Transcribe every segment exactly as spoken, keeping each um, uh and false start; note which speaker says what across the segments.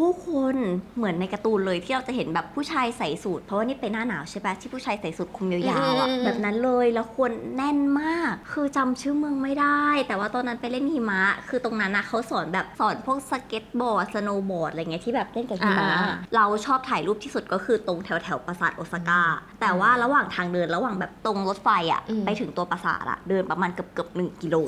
Speaker 1: ผู้คนเหมือนในการ์ตูนเลยที่เราจะเห็นแบบผู้ชายใส่สูทเพราะว่านี่เป็นหน้าหนาวใช่ปะที่ผู้ชายใส่สูทคลุมยาวๆอ่ะแบบนั้นเลยแล้วคนแน่นมากคือจำชื่อเมืองไม่ได้แต่ว่าตอนนั้นไปเล่นหิมะคือตรงนั้นนะเขาสอนแบบสอนพวกสเก็ตบอร์ดสโนว์บอร์ดอะไรเงี้ยที่แบบเล่นกับหิมะเราชอบถ่ายรูปที่สุดก็คือตรงแถวแถวปราสาทโอซาก้าแต่ว่าระหว่างทางเดินระหว่างแบบตรงรถไฟอ่ะไปถึงตัวปราสาทอ่ะเดินประมาณเกือบเกือบหนึ่งกิโล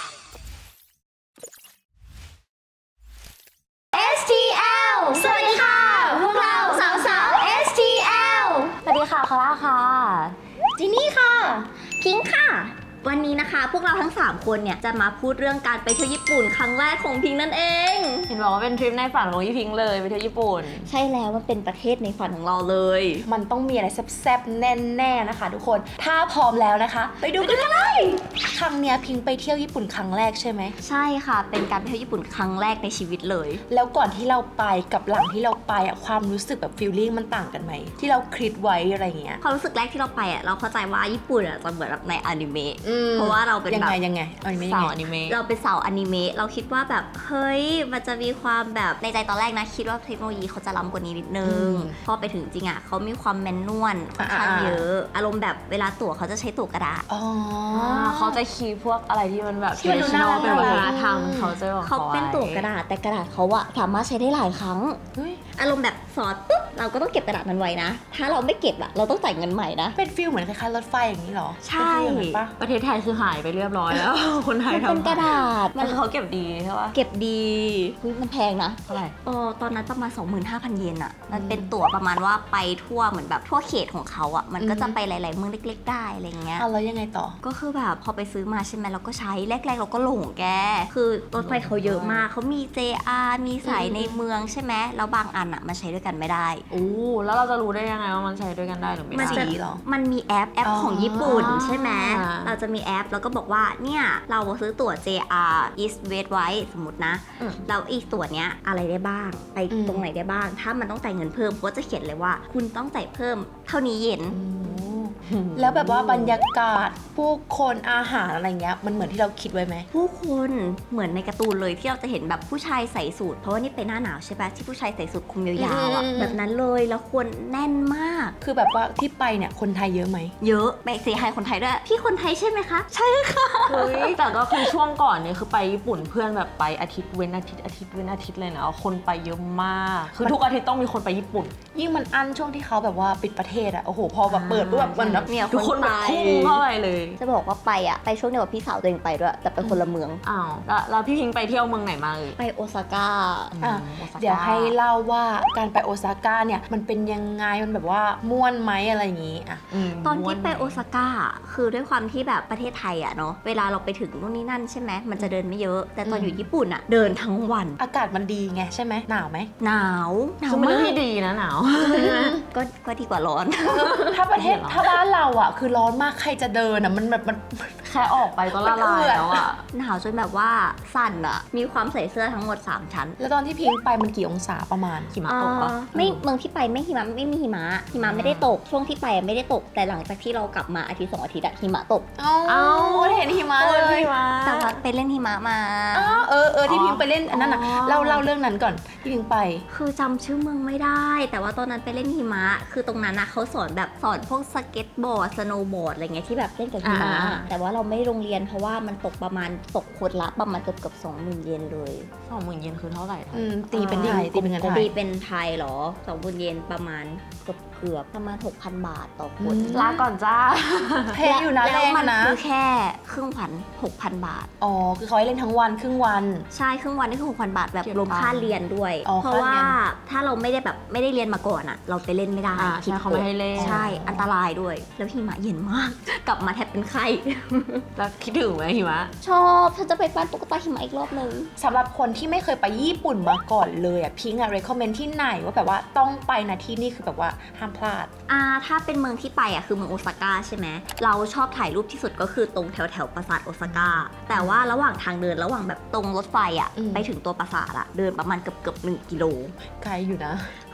Speaker 1: สวัสดีค่ะพวกเราสาวสาว เอส ที แอล
Speaker 2: สวัสดีค่ะคาร่าค่ะ
Speaker 1: จินนี่ค่ะพิงค์ค่ะวันนี้นะคะพวกเราทั้งสามคนเนี่ยจะมาพูดเรื่องการไปเที่ยวญี่ปุ่นครั้งแรกของพิงค์นั่นเอง
Speaker 2: เห็นบอกว่าเป็นทริปในฝันของยี่พิงค์เลยไปเที่ยวญี่ปุ่น
Speaker 1: ใช่แล้วมันเป็นประเทศในฝันของเราเลย
Speaker 3: มันต้องมีอะไรแซ่บๆแน่ๆนะคะทุกคนถ้าพร้อมแล้วนะคะ ไปดูกันเลยครั้งเนี้ยพิงไปเที่ยวญี่ปุ่นครั้งแรกใช่ไหม
Speaker 1: ใช่ค่ะเป็นการไปเที่ยวญี่ปุ่นครั้งแรกในชีวิตเลย
Speaker 3: แล้วก่อนที่เราไปกับหลังที่เราไปอะความรู้สึกแบบฟีลลิ่งมันต่างกันไหมที่เราคิดไว้อะไรเงี้ย
Speaker 1: ความรู้สึกแรกที่เราไปอ่ะเราเข้าใจว่าญี่ปุ่นอ่ะจะเหมือนแบบในอนิเมะเพราะว่าเราเป็น
Speaker 3: ยังไงยังไงอนิเมะยังไง
Speaker 2: อนิเมะ
Speaker 1: เราเป็นสาวอนิเมะเราคิดว่าแบบเฮ้ยมันจะมีความแบบในใจตอนแรกนะคิดว่าเทคโนโลยีเขาจะล้ำกว่านี้นิดนึงพอไปถึงจริงอ่ะเขามีความแมนนวลค่อนข้างเยอะอารมณ์แบบเวลาตั๋วเขาจะใช้ตั๋วกระดาษ
Speaker 3: อ๋อ
Speaker 2: เขาจะคีย์พวกอะไรที่มันแบบ
Speaker 3: ที่มันดูน่ารัก
Speaker 2: เป็นวัฒนธรรมเขาจะบอก
Speaker 1: เขาเป็นตั๋วกระดาษแต่กระดาษเขาอะสามารถใช้ได้หลายครั้งอารมณ์แบบสอดปุ๊บเราก็ต้องเก็บกระดาษนั้นไว้นะถ้าเราไม่เก็บอะเราต้องจ่ายเงินใหม่นะ
Speaker 3: เป็นฟีลเหมือนคล้ายๆรถไฟอย่างนี้หรอ
Speaker 1: ใช่
Speaker 2: ประเทศไทยคือหายไปเรียบร้อยแล้วคนไทยทำ
Speaker 1: เป็นกระดาษ
Speaker 2: มันเขาเก็บดีใช่ปะ
Speaker 1: เก็บดีมันแพงนะ
Speaker 2: เท่าไหร่
Speaker 1: อ๋อตอนนั้นประมาณ สองหมื่นห้าพัน เยนอะมันเป็นตั๋วประมาณว่าไปทั่วเหมือนแบบทั่วเขตของเขาอะมันก็จะไปหลายๆเมืองเล็กๆได้อะไรเงี้ย
Speaker 3: อ่ะแล้วยังไงต่อ
Speaker 1: ก็คือแบบพอไปซื้อมาใช่ไหมเราก็ใช้แรกๆเราก็หลงแกคือรถไฟเขาเยอะมากเขามี เจ อาร์ มีสายในเมืองใช่ไหมแล้วบางอันอะมันใช้ด้วยกันไม่ได้
Speaker 2: โอ้แล้วเราจะรู้ได้ยังไงว่ามันใช้ด้วยกันได้หรือไม่ได้
Speaker 1: หรอมันมีแอปแอปของญี่ปุ่นใช่ไหมเราจะมีแอปแล้วก็บอกว่าเนี่ยเราซื้อตั๋ว เจ อาร์ East West ไว้สมมตินะเราอีกตั๋วเนี้ยอะไรได้บ้างไปตรงไหนได้บ้างถ้ามันต้องจ่ายเงินเพิ่มเขาจะเขียนเลยว่าคุณต้องจ่ายเพิ่มเท่านี้เยน
Speaker 3: แล้วแบบว่าบรรยากาศผู้คนอาหารอะไรเงี้ยมันเหมือนที่เราคิดไว้ไหม
Speaker 1: ผู้คนเหมือนในการ์ตูนเลยที่เราจะเห็นแบบผู้ชายใส่สูทเพราะว่านี่เป็นหน้าหนาวใช่ปะที่ผู้ชายใส่สูทคลุมยาวๆอ่ะแบบนั้นเลยแล้วคนแน่นมาก
Speaker 3: คือแบบว่าที่ไปเนี่ยคนไทยเยอะไหม
Speaker 1: เยอะไปเซฮายคนไทยด้วยพี่คนไทยใช่ไหมคะใช่ค่ะ
Speaker 2: เฮ้ยแต่ก็คือช่วงก่อนเนี่ยคือไปญี่ปุ่นเพื่อนแบบไปอาทิตย์เว้นอาทิตย์อาทิตย์เว้นอาทิตย์เลยนะคนไปเยอะมากคือทุกอาทิตย์ต้องมีคนไปญี่ปุ่น
Speaker 3: ยิ่งมันอั้นช่วงที่เขาแบบว่าปิดประเทศอะโอ้โหพอแบบเปิดปุ๊บแบบมันแบบ
Speaker 1: ทุกคน
Speaker 2: แบบพุ่งเข้าไปเลย
Speaker 1: จะบอกว่าไปอะไปช่วงเดียวกับพี่สาวตัวเองไปด้วยแต่ไปคนละเมือง
Speaker 2: อ้าวแล้วแล้วพี่พิงไปเที่ยวเมืองไหนมาเลย
Speaker 1: ไปโอซาก้า
Speaker 3: เดี๋ยวให้เล่าว่าการไปโอซาก้าเนี่ยมันเป็นยังไงมันแบบว่าม่วนไหมอะไรอย่างงี้อะ
Speaker 1: ตอนที่ไปโอซาก้าคือด้วยความที่แบบประเทศไทยอะเนาะเวลาเราไปถึงนู่นนี่นั่นใช่ไหมมันจะเดินไม่เยอะแต่ตอนอยู่ญี่ปุ่นอะเดินทั้งวัน
Speaker 3: อากาศมันดีไงใช่ไหมหนาวไหม
Speaker 1: หนาวหนาว
Speaker 2: คือมันเรื่องที่ดีนะหนาว
Speaker 1: ก็ก็ดีกว่าร้อน
Speaker 3: ถ้าประเทศถ้าบ้านเราอะคือร้อนมากใครจะเดินอะมันแบบมัน
Speaker 2: แค่ออกไปก็ละลายแล้วอะ
Speaker 1: หนาวจนแบบว่าสั่นอะมีความใส่เสื้อทั้งหมดสามชั้น
Speaker 3: แล้วตอนที่พิงไปมันกี่องศาประมาณ
Speaker 2: หิมะตกปะ
Speaker 1: ไม่เมืองที่ไปไม่หิมะไม่มีหิมะหิมะไม่ได้ตกช่วงที่ไปไม่ได้ตกแต่หลังจากที่เรากลับมาอาทิตย์สองอาทิตย์อะหิมะตก
Speaker 3: อ้าวเห็นหิมะเลย
Speaker 1: แต่ว่าไปเล่นหิมะมา
Speaker 3: เออเออที่พิงไปเล่นอันนั้นอะเล่าเล่าเรื่องนั้นก่อนที่พิงไป
Speaker 1: คือจำชื่อเมืองไม่ได้แต่ว่าตอนนั้นไปเล่นหิมะคือตรงนั้นนะเขาสอนแบบสอนพวกสเก็ตบอร์ดสโนว์บอร์ดอะไรเงี้ยที่แบบเล่นกับหิมะแต่ว่าเราไม่โรงเรียนเพราะว่ามันตกประมาณตกคนละประมาณเกือบเกือบสองหมื่นเยนเลย
Speaker 2: สองหมื่นเยนคือเท่าไหร่
Speaker 3: ตีเป็นไทยตีเป็นเงินไทย
Speaker 1: ตีเป็นไทยเหรอสองหมื่นเยนประมาณเกือบเกือบประมาณ หกพัน บาทต่อคน
Speaker 2: ลาก่อนจ้า
Speaker 3: แพงอยู่นะ
Speaker 1: แล้วมันคือแค่ครึ่งวัน หกพัน บาท
Speaker 3: อ๋อคือเขาให้เล่นทั้งวันครึ่งวัน
Speaker 1: ใช่ครึ่งวันนี่คือ หกพัน บาทแบบรวมค่าเรียนด้วยเพราะว่าถ้าเราไม่ได้แบบไม่ได้เรียนมาก่อนอะเราไปเล่นไม่ได้
Speaker 2: คิดเขาไม่ให้เล่น
Speaker 1: ใช่อันตรายด้วยแล้วหิมะเย็นมากกลับมาแทบเป็นไข้
Speaker 2: แล้วคิดถึงไหมหิมะ
Speaker 1: ชอบฉันจะไปปั้นตุ๊กตาหิมะอีกรอบนึง
Speaker 3: สำหรับคนที่ไม่เคยไปญี่ปุ่นมาก่อนเลยอ่ะพิงอ่ะ recommend ที่ไหนว่าแบบว่าต้องไปนะที่นี่คือแบบว่าห้ามพลาด
Speaker 1: อ่าถ้าเป็นเมืองที่ไปอ่ะคือเมืองโอซาก้าใช่ไหมเราชอบถ่ายรูปที่สุดก็คือตรงแถวแถวปราสาทโอซาก้าแต่ว่าระหว่างทางเดินระหว่างแบบตรงรถไฟอ่ะไปถึงตัวปราสาทอ่ะเดินประมาณเกือบเกือบหนึ่งกิโล
Speaker 3: ไกลอยู่นะ
Speaker 1: ค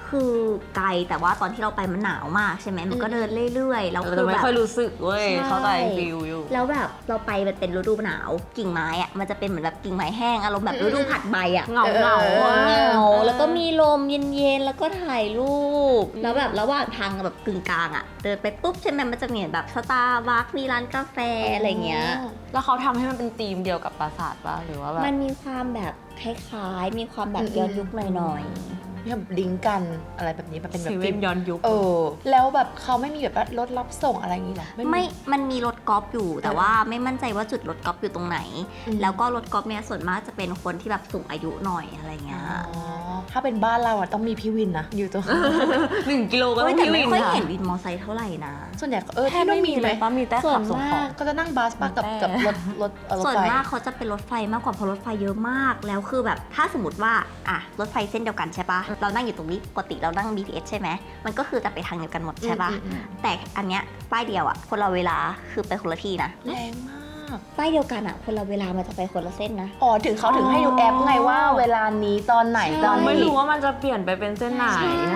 Speaker 1: คือไกลแต่ว่าตอนที่เราไปมันหนาวมากใช่ไหมมันก็เดินเรื่อยๆแล้ว
Speaker 2: เรา
Speaker 1: คื
Speaker 2: จะ
Speaker 1: อ
Speaker 2: ไม่
Speaker 1: แบบ
Speaker 2: ค่อยรู้สึกเว้ย
Speaker 1: ใช่
Speaker 2: เขาใจฟิลอยู่
Speaker 1: แล้วแบบเราไปมันเป็นฤดูหนาวกิ่งไม้อะมันจะเป็นเหมือนแบบกิ่งไม้แห้งอารมณ์แบบฤดูผัดใบอะ
Speaker 2: เหงาเหงา
Speaker 3: เออ
Speaker 1: เหงาแล้วก็มีลมเย็นๆแล้วก็ถ่ายรูปแล้วแบบระหว่างทางแบบกึ่งกลางอะเดินไปปุ๊บใช่ไหมมันจะมีแบบสตาร์บัคมีร้านกาแฟอะไรเงี้ย
Speaker 2: แล้วเขาทำให้มันเป็นธีมเดียวกับปราสาทป่ะหรือว่าแบบ
Speaker 1: มันมีความแบบคล้ายๆ มีความแบบย้อนยุคหน่อย
Speaker 3: มีแบบลิงก์กันอะไรแบบนี้แบบเป็นแบ
Speaker 2: เซ
Speaker 3: บ
Speaker 2: เว่นย้อนยุค
Speaker 3: เออแล้วแบบเขาไม่มีแบบว่ารถรับส่งอะไรอย่างนี้หรอ
Speaker 1: ๆ ไม่ มันมีรถกอล์ฟอยู่ แต่ว่าไม่มั่นใจว่าจุดรถกอล์ฟอยู่ตรงไหน
Speaker 3: อืม
Speaker 1: แล้วก็รถกอล์ฟเนี่ยส่วนมากจะเป็นคนที่แบบสูงอายุหน่อยอะไรเงี้ย
Speaker 3: อ๋อถ้าเป็นบ้านเราอะต้องมีพี่วินนะอยู่ตรง
Speaker 2: หนึ่งกิโลก็
Speaker 1: เฮ้
Speaker 2: ต้
Speaker 1: ย
Speaker 2: อง
Speaker 1: แต่
Speaker 2: มี
Speaker 1: ไม่
Speaker 2: วิน
Speaker 1: ค่อย
Speaker 2: ค่ะ
Speaker 1: เห็นวินมอไซค์เท่าไหร่นะ
Speaker 3: ส่วนใหญ่เออ
Speaker 2: แทบ
Speaker 3: ที่
Speaker 2: ไม่
Speaker 3: นู่น
Speaker 2: มี
Speaker 3: มี
Speaker 2: เล
Speaker 3: ไหม
Speaker 2: ยป่ะมีแต่ขับส่งของ
Speaker 3: ก็จะนั่งบัสปะกับ
Speaker 2: แต่
Speaker 3: กับรถรถเออรถ
Speaker 1: ส่วน
Speaker 3: ไฟ
Speaker 1: มากเขาจะเป็นรถไฟมากกว่าเพราะรถไฟเยอะมาก แล้วคือแบบถ้าสมมติว่าอ่ะรถไฟเส้นเดียวกันใช่ปะเรานั่งอยู่ตรงนี้ปกติเรานั่ง บี ที เอส ใช่ไหมมันก็คือจะไปทางเดียวกันหมดใช่ปะ
Speaker 3: อืมอืมอืม
Speaker 1: แต่อันเนี้ยป้ายเดียวอ่ะคนละเวลาคือไปคนละที่นะ
Speaker 3: แรงมาก
Speaker 1: ป้ายเดียวกันอ่ะคนละเวลามันจะไปคนละเส้นนะ
Speaker 3: อ๋อถึงเขาถึงให้ดูแอปไงว่าเวลานี้ตอนไหน
Speaker 1: ใช่
Speaker 3: ตอน
Speaker 2: ไม่
Speaker 3: นี้
Speaker 2: รู้ว่ามันจะเปลี่ยนไปเป็นเส้นไหน
Speaker 1: ใช่
Speaker 2: นะ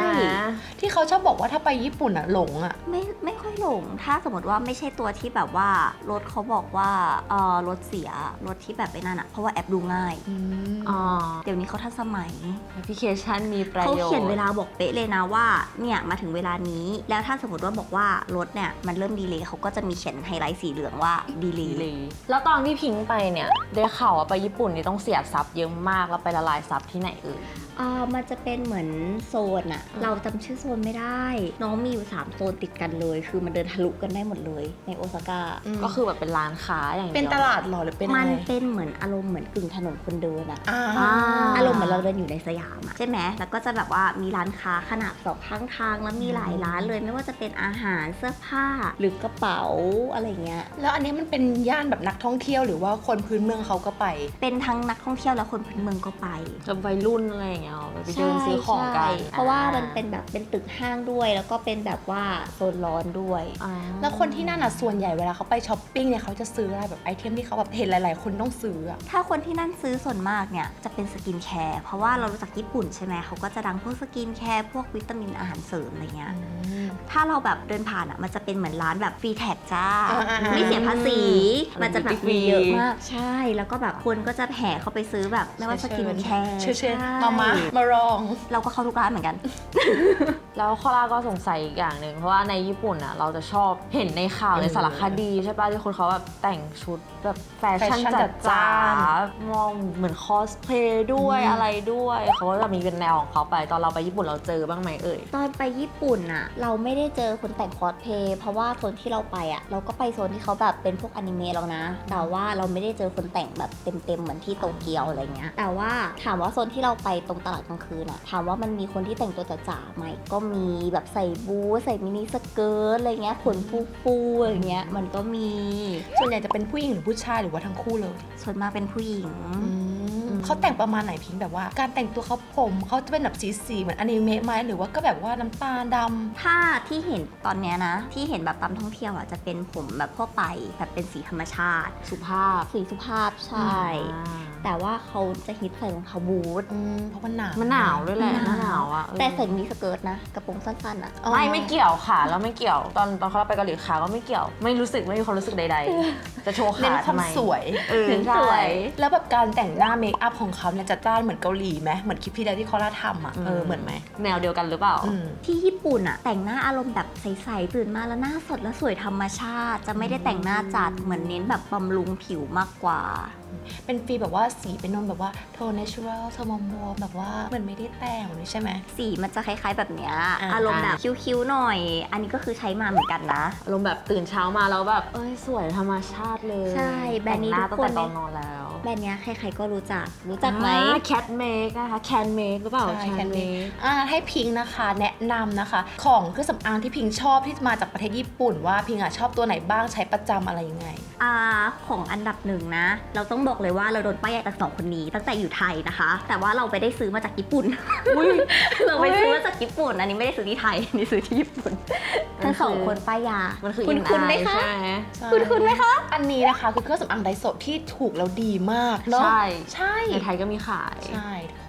Speaker 3: ที่เขาชอบบอกว่าถ้าไปญี่ปุ่นอะหลงอะ
Speaker 1: ไม่ไม่ค่อยหลง ถ้าสมมติว่าไม่ใช่ตัวที่แบบว่ารถเขาบอกว่าเออรถเสียรถที่แบบไปนั่นอะเพราะว่าแอปดูง่าย
Speaker 2: อ๋อ
Speaker 1: เดี๋ยวนี้เขาทันสมัย
Speaker 2: แอปพลิเคชันมีประ
Speaker 1: เขา
Speaker 2: โยชน์
Speaker 1: เขียนเวลาบอกเป๊ะเลยนะว่าเนี่ยมาถึงเวลานี้แล้วถ้าสมมติว่าบอกว่ารถเนี่ยมันเริ่มดีเลย์เขาก็จะมีเขียนไฮไลท์สีเหลืองว่าดีเล
Speaker 2: ดี
Speaker 1: ย์
Speaker 2: เลย แล้วตอนที่พิงค์ไปเนี่ยได้ข่าวว่าไปญี่ปุ่นนี่ต้องเสียทรัพย์เยอะมากแล้วไปละลายทรัพย์ที่ไหนเอ่ย
Speaker 1: อ่ามันจะเป็นเหมือนโซนอะเราจำชื่อโซนไม่ได้ น้องมีอยู่สามโซนติดกันเลย คือมันเดินทะลุกันได้หมดเลยในโอซาก้า
Speaker 2: ก็คือแบบเป็นร้านค้าอย่างเดียว
Speaker 3: เป็นตลาดหรอหรือเป็นอะ
Speaker 1: มัน
Speaker 3: ไร
Speaker 1: เป็นเหมือนอารมณ์เหมือนกึ่งถนนคนเดินอะ
Speaker 3: อ่า
Speaker 2: อ่า
Speaker 1: อารมณ์เหมือนเราเดินอยู่ในสยามอะใช่ไหมแล้วก็จะแบบว่ามีร้านค้าขนาดสองข้างทางแล้วมีหลายร้านเลยไม่ว่าจะเป็นอาหารเสื้อผ้าหรือกระเป๋าอะไรเงี้ย
Speaker 3: แล้วอันนี้มันเป็นย่านแบบนักท่องเที่ยวหรือว่าคนพื้นเมืองเขาก็ไป
Speaker 1: เป็นทั้งนักท่องเที่ยวและคนพื้นเมืองก็ไป
Speaker 2: กับวัยรุ่นอะไรอย่างเงี้ยไปเดินซื้อของกัน
Speaker 1: ใช่เพราะว่ามันเป็นแบบเป็นตึกห้างด้วย แล้วก็เป็นแบบว่าโซนร้อนด้วย
Speaker 2: อ่า
Speaker 3: แล้วคนที่นั่นอ่ะส่วนใหญ่เวลาเขาไปช้อปปิ้งเนี่ยเขาจะซื้ออะไรแบบไอเทมที่เขาแบบเห็นหลายๆ คนต้องซื้ออะ
Speaker 1: ถ้าคนที่นั่นซื้อส่วนมากเนี่ยจะเป็นสกินแคร์เพราะว่าเรารู้จักญี่ปุ่นใช่ไหมเขาก็จะดังพวกสกินแคร์พวกวิตามินอาหารเสริมอะไรเงี้ย ถ้าเราแบบเดินผ่านอ่ะมันจะเป็นเหมือนร้านแบบฟรีแท็กจ้า
Speaker 3: อ่าๆๆ
Speaker 1: ไม่เสียภาษี
Speaker 2: อืม
Speaker 1: มันจะแบบมีเยอะมาก ใช่ แล้วก็แบบคนก็จะแห่เข้าไปซื้อแบบไม่ว่าสกินแคร์
Speaker 3: เชิญเชิญ
Speaker 1: ใช่
Speaker 3: มามามาลอง
Speaker 1: เราก็เข้าทุกร้านเหมือนกัน
Speaker 2: แล้วคอล่าก็สงสัยอีกอย่างหนึ่งเพราะว่าในญี่ปุ่นอ่ะเราจะชอบเห็นในข่าวในสารคดีใช่ป่ะที่คนเขาแบบแต่งชุดแบบแฟชั่น
Speaker 3: แฟชั่น
Speaker 2: จัด
Speaker 3: จัดจ้า
Speaker 2: จ้านมองเหมือนคอสเพลย์ด้วย
Speaker 3: อืม
Speaker 2: อะไรด้วยเขาก็จะมีเป็นแนวของเขาไปตอนเราไปญี่ปุ่นเราเจอบ้างไหมเอ่ย
Speaker 1: ตอนไปญี่ปุ่นอ่ะ เราไม่ได้เจอคนแต่งคอสเพลย์เพราะว่าโซนที่เราไปอ่ะ เราก็ไปโซนที่เขาแบบเป็นพวกอนิเมะแล้วนะ แต่ว่าเราไม่ได้เจอคนแต่งแบบเต็มๆเหมือนที่โตเกียวอะไรเงี้ย แต่ว่าถามว่าโซนที่เราไปตรงตลาดกลางคืนอ่ะถามว่ามันมีคนที่แต่งตัวจ๋าๆไหมก็มีแบบใส่บูทใส่มินิสเกิร์ตอะไรเงี้ยขนฟูๆอะไรเงี้ยมันก็มี
Speaker 3: ส่วนใหญ่จะเป็นผู้หญิงหรือผู้ชายหรือว่าทั้งคู่เลย
Speaker 1: ส่วนมากเป็นผู้หญิง
Speaker 3: เขาแต่งประมาณไหนพิงค์แบบว่า การแต่งตัวเขาผมเขาจะเป็นแบบสีสีๆเหมือนอนิเมะไหมหรือว่าก็แบบว่าน้ำตาลดำ
Speaker 1: ถ้าที่เห็นตอนเนี้ยนะ ที่เห็นแบบตามท่องเที่ยวอ่ะจะเป็นผมแบบทั่วไปแบบเป็นสีธรรมชาติ
Speaker 2: สุภาพ
Speaker 1: สีสุภาพใช่ แต่ว่าเขาจะฮิตใส่รองเท้าบูท
Speaker 3: อืมเพราะมันหนาว
Speaker 2: มันหนาวด้วยแหละ
Speaker 1: มัน
Speaker 2: ห
Speaker 1: หนาว
Speaker 2: น้าหนาวอ่ะเออ
Speaker 1: แต่ใส่มินิสเกิร์ตนะกระโปรงสั้นๆอ่ะ
Speaker 3: อ๋อ
Speaker 2: ไม่ไม่เกี่ยวค่ะแล้วไม่เกี่ยวตอนตอนเขาไปเกาหลีขาก็ไม่เกี่ยว ไม่รู้สึกไม่มีความรู้สึกใดๆ จะโชว์
Speaker 3: เน้
Speaker 2: ขาน
Speaker 3: ความ
Speaker 2: ทำไม
Speaker 3: สวย
Speaker 2: เออ
Speaker 1: เน้น
Speaker 2: ใช่
Speaker 1: สวย
Speaker 3: แล้วแบบการแต่งหน้าเมคอัพของเขาเนี่ยจะจ้านเหมือนเกาหลีไหมเหมือนคลิปที่แล้วที่เขาล่าทำอ่ะเออเหมือนไหม
Speaker 2: แนวเดียวกันหรือเปล่า
Speaker 3: อืม
Speaker 1: ที่ญี่ปุ่นอะแต่งหน้าอารมณ์แบบใสๆตื่นมาแล้วหน้าสดและสวยธรรมชาติ จะไม่ได้แต่งหน้าจัดเหมือนเน้นแบบบำรุงผิวมากกว่า
Speaker 3: เป็นฟีลแบบว่าสีเป็นนนแบบว่าโทนเนเชอรัลโทนมวมๆแบบว่าเหมือนไม่ได้แต่งเลยใช่ไหม
Speaker 1: สีมันจะคล้ายๆแบบเนี้ย
Speaker 3: อ่า
Speaker 1: อารมณ์แบบคิ้วๆหน่อย อันนี้ก็คือใช้มาเหมือนกันนะ
Speaker 2: อารมณ์แบบตื่นเช้ามาแล้วแบบเอ้ยสวยธรรมชาติเลย
Speaker 1: ใช่แบรนด์นี้
Speaker 2: แต่งหน้า
Speaker 1: ทุ
Speaker 2: ตั้
Speaker 1: ก
Speaker 2: ง
Speaker 1: คน
Speaker 2: แต่ตอนนอนแล้ว
Speaker 1: แบรนด์เนี้ยใครๆก็รู้จัก รู้จักไหม
Speaker 2: แคทเมคนะคะแคนเมคหรือเปล่า
Speaker 3: ใช่
Speaker 2: แคนเมค
Speaker 3: อ่าให้พิงค์นะคะแนะนำนะคะ ของเครื่องสำอางที่พิงค์ชอบที่มาจากประเทศญี่ปุ่นว่าพิงค์อ่ะชอบตัวไหนบ้างใช้ประจำอะไรยังไง
Speaker 1: อ่าของอันดับหนึ่งนะ เราต้องบอกเลยว่าเราโดนป้ายยาจากสองคนนี้ตั้งแต่อยู่ไทยนะคะ แต่ว่าเราไปได้ซื้อมาจากญี่ปุ่น เราไปซื้อมาจากญี่ปุ่น อันนี้ไม่ได้ซื้อที่ไทยอันนี้ซื้อที่ญี่ปุ่น ทั้งสองคนป้ายยา
Speaker 2: มันคือ
Speaker 1: คุ
Speaker 2: อิ
Speaker 1: ณ
Speaker 2: น
Speaker 1: คุณไหม
Speaker 2: ไอ
Speaker 1: คะ
Speaker 2: ใช่ไหม
Speaker 1: คุณคุณไหมคะ
Speaker 3: อันนี้นะคะคือเครื่องสำอางไดโซะที่ถูกแล้วดีมากเนาะ
Speaker 2: ใช่
Speaker 3: ใช่
Speaker 2: ในไทยก็มีขาย
Speaker 3: ใช่ทุกคน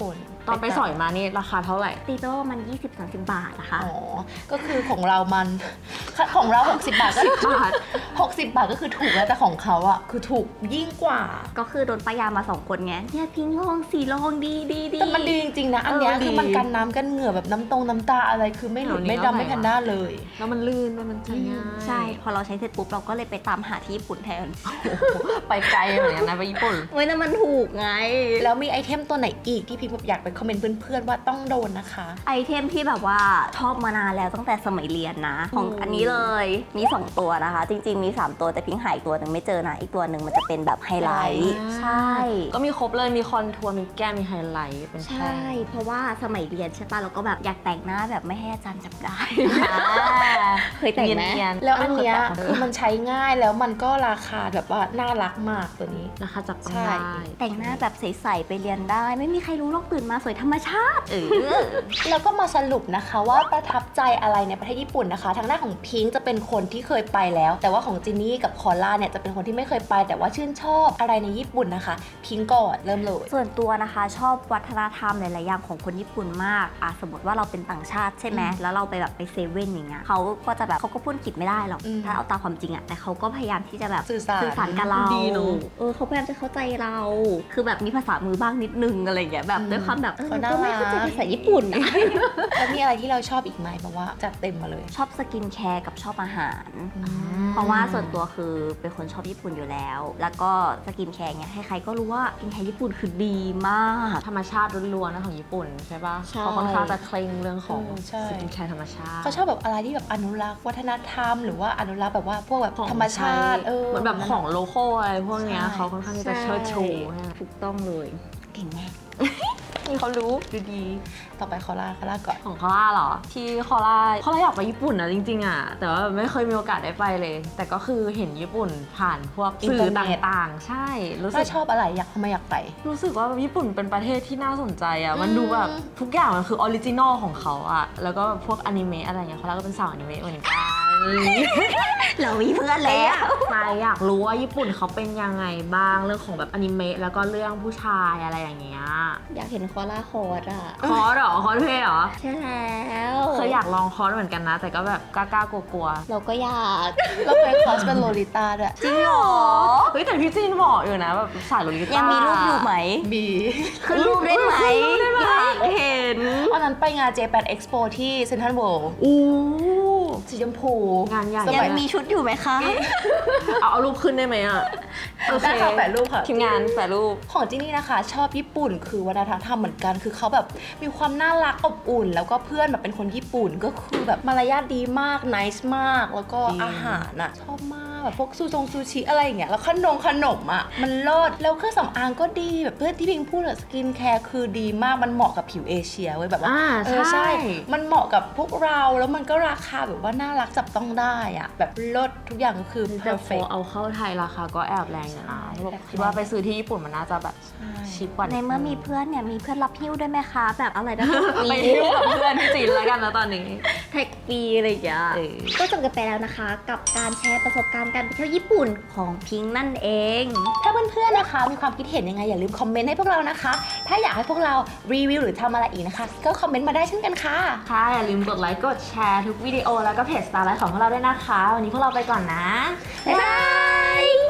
Speaker 2: ตอนไปสอยมานี่ราคาเท่าไหร่
Speaker 1: ตีไปว่ามัน ยี่สิบถึงสามสิบ บาทนะคะ
Speaker 3: อ๋อ ก็คือของเรามัน ของเรา หกสิบบาทก็
Speaker 2: บาท
Speaker 3: หกสิบบาทก็คือถูกแล้วแต่ของเขาอะคือถูกยิ่งกว่า
Speaker 1: ก็คือโดนป้ายามาสองคนไงเนี่ยพิงลองสีลองดีดีดี
Speaker 3: แต่มันดีจริงๆนะ อันเนี้ย
Speaker 2: เออ
Speaker 3: คือ
Speaker 2: ดี
Speaker 3: มันกันน้ำกันเหงื่อแบบน้ำตรงน้ำตาอะไรคือไม่หลุด
Speaker 2: เอานี่
Speaker 3: ไม่
Speaker 2: เอา
Speaker 3: ดำไม่
Speaker 2: ไหน
Speaker 3: แพน
Speaker 2: วะ
Speaker 3: ด้าเลย
Speaker 2: แล้วมันลื่นด้วยมันใช้ง่าย
Speaker 1: ใช่ พอเราใช้เสร็จปุ๊บเราก็เลยไปตามหาที่ญี่ปุ่นแทน
Speaker 2: โอ้โหไปไกลเหมือนกันนะไปญี่ปุ่น
Speaker 1: เว้ยนั่นมันถูกไง
Speaker 3: แล้วมีไอเทมตัวไหนอีกที่พี่แบบอยากไปคอมเมนต์เพื่อนๆว่าต้องโดนนะคะ
Speaker 1: ไอเทมที่แบบว่าชอบมานานแล้วตั้งแต่สมัยเรียนนะ ของ
Speaker 2: อืม
Speaker 1: อันนี้เลยมีสองตัวนะคะ จริง ๆ มีสามตัวแต่พิงหายตัวหนึ่งไม่เจอนะอีกตัวหนึ่งมันจะเป็นแบบไฮไลท์ใช่
Speaker 2: ก็มีครบเลยมีคอนทัวร์มีแก้มมีไฮไลท์เป็น
Speaker 1: ใช่
Speaker 2: แท่ง
Speaker 1: เพราะว่าสมัยเรียนใช่ป่ะเราก็แบบอยากแต่งหน้าแบบไม่ให้อาจารย์จับได้ เคยแต่งไหม
Speaker 2: เนียนๆ
Speaker 3: แล้วอันเนี้ย
Speaker 2: เอ
Speaker 3: คือมันใช้ง่ายแล้วมันก็ราคาแบบว่าน่ารักมากตัวนี้
Speaker 2: ราคาจับต้อง
Speaker 3: ใช่
Speaker 2: ได้
Speaker 1: แต่งหน้าแบบใสๆไปเรียนได้ ไม่มีใครรู้หรอกตื่นมาสวยธรรมชาติเออ
Speaker 3: แล้วก็มาสรุปนะคะว่าประทับใจอะไรในประเทศญี่ปุ่นนะคะ ทางด้านของพิงค์จะเป็นคนที่เคยไปแล้ว แต่ว่าของจินนี่กับคอล่าเนี่ยจะเป็นคนที่ไม่เคยไป แต่ว่าชื่นชอบอะไรในญี่ปุ่นนะคะ พิงค์ก่อนเริ่มเลย
Speaker 1: ส่วนตัวนะคะชอบวัฒนธรรมหลายๆอย่างของคนญี่ปุ่นมากอ่ะสมมติว่าเราเป็นต่างชาติใช่ไหม
Speaker 3: อืม
Speaker 1: แล้วเราไปแบบไปเซเว่นอย่างเงี้ยเขาก็จะแบบเขาก็พูดอังกฤษไม่ได้หรอก
Speaker 3: อืม
Speaker 1: ถ้าเอาตามความจริงอะแต่เขาก็พยายามที่จะแบบ
Speaker 3: สื่อสาร
Speaker 1: สารกับเรา
Speaker 2: ดีเนอะ
Speaker 1: เออเขาพยายามจะเข้าใจเรา คือแบบมีภาษามือบ้างนิดนึงอะไรอย่างเงี้ยแบบด้วยความแบบเออ
Speaker 3: เขาน่า
Speaker 1: ก็ไม่
Speaker 3: รัก
Speaker 1: เข้าใจภาษาญี่ปุ่นอะ
Speaker 3: แล้วมีอะไรที่เราชอบอีกไหมแบบว่าจัดเต็มมาเลย
Speaker 1: ชอบสกินแคร์กับชอบอาหาร เพราะว่าส่วนตัวคือเป็นคนชอบญี่ปุ่นอยู่แล้ว แล้วก็สกินแคร์เนี่ยใครๆก็รู้ว่าสกินแคร์ญี่ปุ่นคือดีมาก
Speaker 2: ธรรมชาติล้วนๆนะของญี่ปุ่นใช่ปะ
Speaker 1: ใช่
Speaker 2: เขาค่อนข้างจะเคร่งเรื่องของ
Speaker 3: เออใช่
Speaker 2: สกินแคร์ธรรมชาติ
Speaker 3: เขาชอบแบบอะไรที่แบบอนุรักษ์วัฒนธรรม หรือว่าอนุรักษ์แบบว่าพวกแบบ
Speaker 2: ของ
Speaker 3: ธรรมชาติเออ
Speaker 2: เหมือนแบบของโลโก้อะไรพวกเนี้ย
Speaker 3: ใช่
Speaker 2: เขาค่อนข้างที่จะเชิดชูนะ
Speaker 1: ถูกต้องเลยเก่งมาก
Speaker 2: นี่เขารู้ดูดี
Speaker 3: ต่อไปคอล่าคอล่าก่อน
Speaker 2: ของคอล่าเหรอ ที่คอล่าคอล่าอยากไปญี่ปุ่นนะจริงๆอ่ะแต่ว่าไม่เคยมีโอกาสได้ไปเลย แต่ก็คือเห็นญี่ปุ่นผ่านพวก
Speaker 3: อิน
Speaker 2: สื่
Speaker 3: เทอ
Speaker 2: อ
Speaker 3: ร์เน็ต
Speaker 2: ต่างๆ ใช่รู้สึ
Speaker 3: ถ้าก ชอบอะไรอยากทำไมอยากไป
Speaker 2: รู้สึกว่าญี่ปุ่นเป็นประเทศที่น่าสนใจอ่ะ มัน
Speaker 3: อืม
Speaker 2: ดูแบบทุกอย่างมันคือออริจินอลของเขาอ่ะ แล้วก็พวกอนิเมะอะไรเงี้ยเขาก็เป็นสาวอนิเมะเหมือนกัน
Speaker 1: เรามีเพื่อนแล้ว
Speaker 2: ไปอยากรู้ว่าญี่ปุ่นเขาเป็นยังไงบ้างเรื่องของแบบอนิเมะแล้วก็เรื่องผู้ชายอะไรอย่างเงี้ย
Speaker 1: อยากเห็นคอล่าคอร์ดอ่ะ
Speaker 2: คอร์สเหรอคอร์สเพลย์เหรอ
Speaker 1: ใช่แล้ว
Speaker 2: เคยอยากลองคอร์สเหมือนกันนะ แต่ก็แบบกล้าๆกลัวๆ
Speaker 1: เราก็อยาก
Speaker 3: เราเคยคอสเป็นโลลิต้าด้วย
Speaker 1: จริงเหรอ
Speaker 2: เฮ้ยแต่พี่จีนบอกอยู่นะแบบสายโลลิต้า
Speaker 1: ยั
Speaker 2: ยัง
Speaker 1: มีรูปอยู่ไหม
Speaker 3: บี
Speaker 1: ขึ้นรูปได้ไหมอยากเห็น
Speaker 3: วันนั้นไปงาน Japan Expo ที่เซ็นทรัลเวิลด์
Speaker 2: อู้
Speaker 3: สีชมพู
Speaker 2: งานใหญ่
Speaker 3: ส
Speaker 1: ยั
Speaker 3: มั
Speaker 1: งมีชุดอยู่ไหมคะ
Speaker 2: เอาเอารูปขึ้นได้ไหมอ่ะโอเค
Speaker 3: ได้ค่ะแปะรูปค่ะ
Speaker 2: ทีมงานแปะรูป
Speaker 3: ของที่นี่นะคะ ชอบญี่ปุ่นคือวัฒนธรรมเหมือนกัน คือเขาแบบมีความน่ารักอบอุ่น แล้วก็เพื่อนแบบเป็นคนญี่ปุ่นก็คือแบบมารยาทดีมากนิสมาก แล้วก็
Speaker 2: จริง
Speaker 3: อาหารอ่ะ ชอบมากแบบพวกซูซงซูชิอะไรอย่างเงี้ยแล้วขนมขนมอ่ะมันเลิศแล้วเครื่องสำอางก็ดีแบบเพื่อนที่พิงพูดอะสกินแคร์คือดีมากมันเหมาะกับผิวเอเชียเว้ยแบบว่า
Speaker 2: อ่า
Speaker 3: เออ
Speaker 2: ใช่
Speaker 3: มันเหมาะกับพวกเราแล้วมันก็ราคาแบบว่าน่ารักจับต้องได้อ่ะแบบเลิศทุกอย่างก็คือ
Speaker 2: แต่พอ
Speaker 3: perfect
Speaker 2: เอาเข้าไทยราคาก็แอบแรงอยู่นะ
Speaker 3: ใช่
Speaker 2: แบบคิดว่าไปซื้อที่ญี่ปุ่นมันน่าจะแบบชิปกว่า
Speaker 1: ในเมื่อมีเพื่อนเนี่ยมีเพื่อนรับหิ้วด้วยไหมคะ แบบอะไรนะ
Speaker 2: ไปเที่ยวกับเพื่อนที่จีนแล้วกันนะตอนนี้
Speaker 1: แท็กปีอะไรอย่างเงี้ย
Speaker 2: เออ
Speaker 1: ก็จบกันไปแล้วนะคะ กับการแชร์ประสบการณ์การไปเที่ยวญี่ปุ่นของพิงค์นั่นเอง
Speaker 3: ถ้าเพื่อนๆ นะคะ มีความคิดเห็นยังไงอย่าลืมคอมเมนต์ให้พวกเรานะคะ ถ้าอยากให้พวกเรารีวิวหรือทำอะไรอีกนะคะ ก็คอมเมนต์มาได้เช่นกันค่ะ
Speaker 2: ค่ะอย่าลืมกดไลค์กดแชร์ทุกวิดีโอแล้วก็เพจ Starlight ของพวกเราด้วยนะคะ วันนี้พวกเราไปก่อนนะ
Speaker 1: บ๊ายบาย